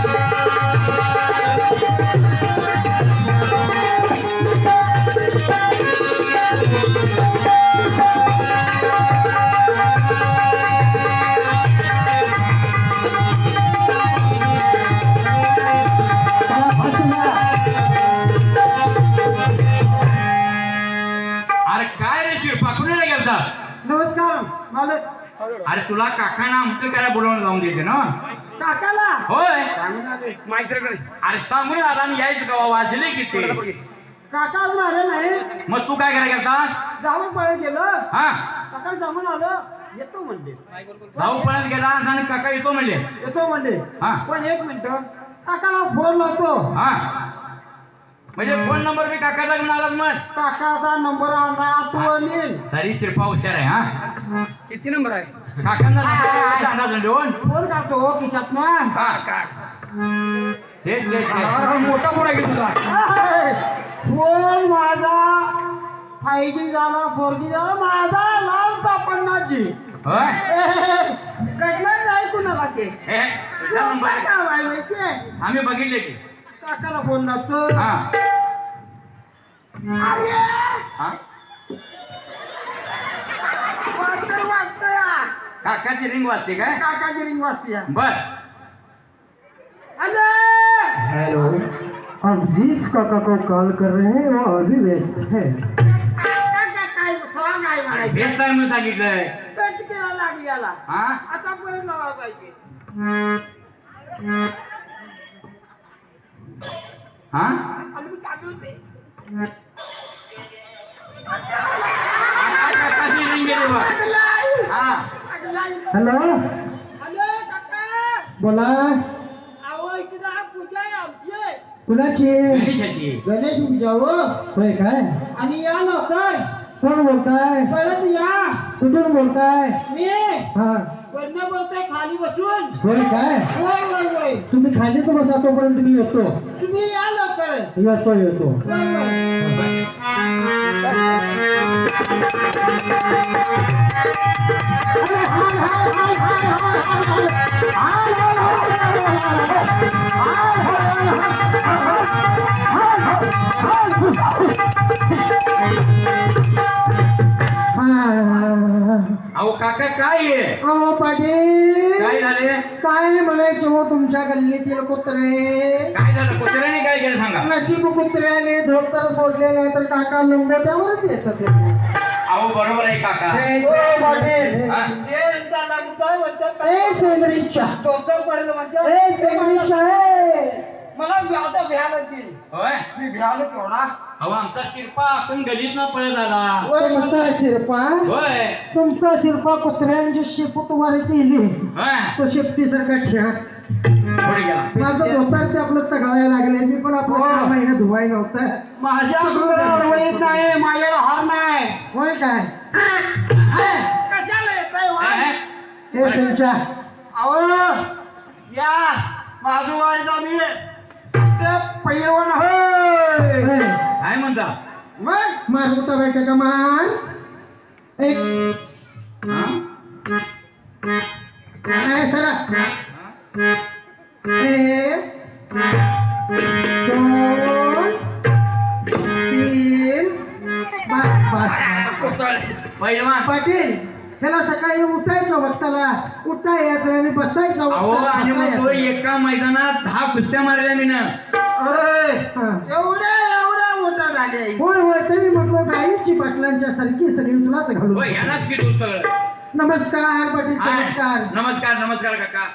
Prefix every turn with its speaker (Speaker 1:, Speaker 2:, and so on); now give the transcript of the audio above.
Speaker 1: नमस्कार मालक.
Speaker 2: अरे तुला काकांना आमचं काय बोलवून जाऊन देते ना
Speaker 1: काकाला
Speaker 2: होय
Speaker 1: माहिती
Speaker 2: अरे सांगून आला आणि यायचं का वाजले किती
Speaker 1: काका अजून आले नाही.
Speaker 2: मग तू काय करायला गेलतास
Speaker 1: जाऊन पळत गेलो.
Speaker 2: हा
Speaker 1: काका जाऊन आलो. येतो म्हणले.
Speaker 2: भाऊ पळत गेलास आणि काका येतो म्हणले
Speaker 1: येतो म्हणले.
Speaker 2: हा.
Speaker 1: पण एक मिनिट काकाला फोन लावतो.
Speaker 2: हा म्हणजे फोन नंबर बी काकाचा घेऊन आलास मग
Speaker 1: काकाचा नंबर आणला आठवण येईल.
Speaker 2: तरी शिरपा हुशार आहे हा
Speaker 1: किती नंबर आहे
Speaker 2: काकांना अंदाज देऊन
Speaker 1: फोन काढतो हो खिशात ना.
Speaker 2: मोठा मोठा घेतो तुझा
Speaker 1: फोन माझा 5G झाला 4G झाला माझा लावता 50G.
Speaker 2: होय
Speaker 1: कटणार नाही कुणाला ते
Speaker 2: हे, तुझा नंबर आहे.
Speaker 1: काय माहिती
Speaker 2: आम्ही बघितले की
Speaker 1: काकाला फोन लावतो.
Speaker 2: हा
Speaker 1: अरे
Speaker 2: हा
Speaker 1: वाजतंय
Speaker 2: काकाची रिंग वाजते काय
Speaker 1: काकाची रिंग वाजते.
Speaker 2: बर
Speaker 1: हेलो, आप जिस काका को कॉल कर रहे हैं वो अभी व्यस्त है.
Speaker 2: अरे हेच आहे म्हणून सांगितलंय
Speaker 1: हा आतापर्यंत लावा पाहिजे.
Speaker 2: हा काकाची रिंग गेली बघ हा
Speaker 1: हॅलो
Speaker 3: हॅलो काका.
Speaker 1: बोला.
Speaker 3: अहो इकडं पूजा आहे आमची.
Speaker 1: कुणाची
Speaker 2: गणेशाची
Speaker 1: गणेश पूजा हो. होय काय
Speaker 3: आणि या लवकर.
Speaker 1: कोण बोलताय
Speaker 3: परत या.
Speaker 1: कुठून बोलताय
Speaker 3: मी
Speaker 1: हा
Speaker 3: वरनं बोलतोय खाली बसून.
Speaker 1: होय काय
Speaker 3: होय होय होय.
Speaker 1: तुम्ही खालीच बसा तोपर्यंत मी येतो.
Speaker 3: तुम्ही या लवकर.
Speaker 1: येतो
Speaker 3: होय होय.
Speaker 2: अहो काका काय आहे
Speaker 1: अहो पाटील
Speaker 2: काय झाले
Speaker 1: काय म्हणायचे हो तुमच्या गल्लीतील कुत्रे.
Speaker 2: काय झालं कुत्र्याने काय केलं सांगा
Speaker 1: नशीब कुत्र्याने धोतर सोडले नाही तर काका लंगोट्यावरच येतात ते.
Speaker 2: अहो बरोबर आहे काका
Speaker 1: जय पाटील.
Speaker 2: हा?
Speaker 1: ए सेंद्रीच्या ए सेंद्रीच्या
Speaker 3: मला आता भ्यायला देईल.
Speaker 2: होय
Speaker 3: मी भ्यायला केवढा.
Speaker 2: अहो आमचा शिरपा आपण गलीत न पळत आला
Speaker 1: तुमचा शिरपा
Speaker 2: होय
Speaker 1: तुमचा शिरपा कुत्र्यांची शेपूट वारी केली
Speaker 2: होय
Speaker 1: तो शेपटीसारखा ठ्या.
Speaker 2: पुढे गेला
Speaker 1: माझं धोतर ते आपलं चघळायला लागले मी पण आपलं 6 महिने धुवाय नव्हतं.
Speaker 3: माझ्या अंगावर येत नाही माझ्याला हार नाही.
Speaker 1: होय काय
Speaker 3: कशाला येत आहे.
Speaker 1: हे त्यांच्या
Speaker 3: अहो या माझूवाडीचा मी ते पैलवान होय.
Speaker 2: काय म्हणता
Speaker 3: मग
Speaker 1: मारमुटा बैठा का मान एक
Speaker 2: हा?
Speaker 1: नाही सरा एक 2 3 बस.
Speaker 2: पहिलवान
Speaker 1: पाटील ह्याला सकाळी उठायचं वक्ताला उठता यायचं आणि बसायचं
Speaker 2: अहो
Speaker 1: वक्ताला
Speaker 2: आणि
Speaker 1: बसता
Speaker 2: मग तो
Speaker 1: यायचं.
Speaker 2: एका मैदानात 10 कुस्त्या मारल्या मी ना
Speaker 1: हा.
Speaker 3: एवढ्या मोठा झाले.
Speaker 1: होय तरी म्हटलं गाईची पाटलांच्या सारखी सगळी तुलाच घालू.
Speaker 2: होय यालाच की तू सगळं
Speaker 1: नमस्कार पाटील
Speaker 2: हाय.
Speaker 1: नमस्कार.
Speaker 2: नमस्कार काका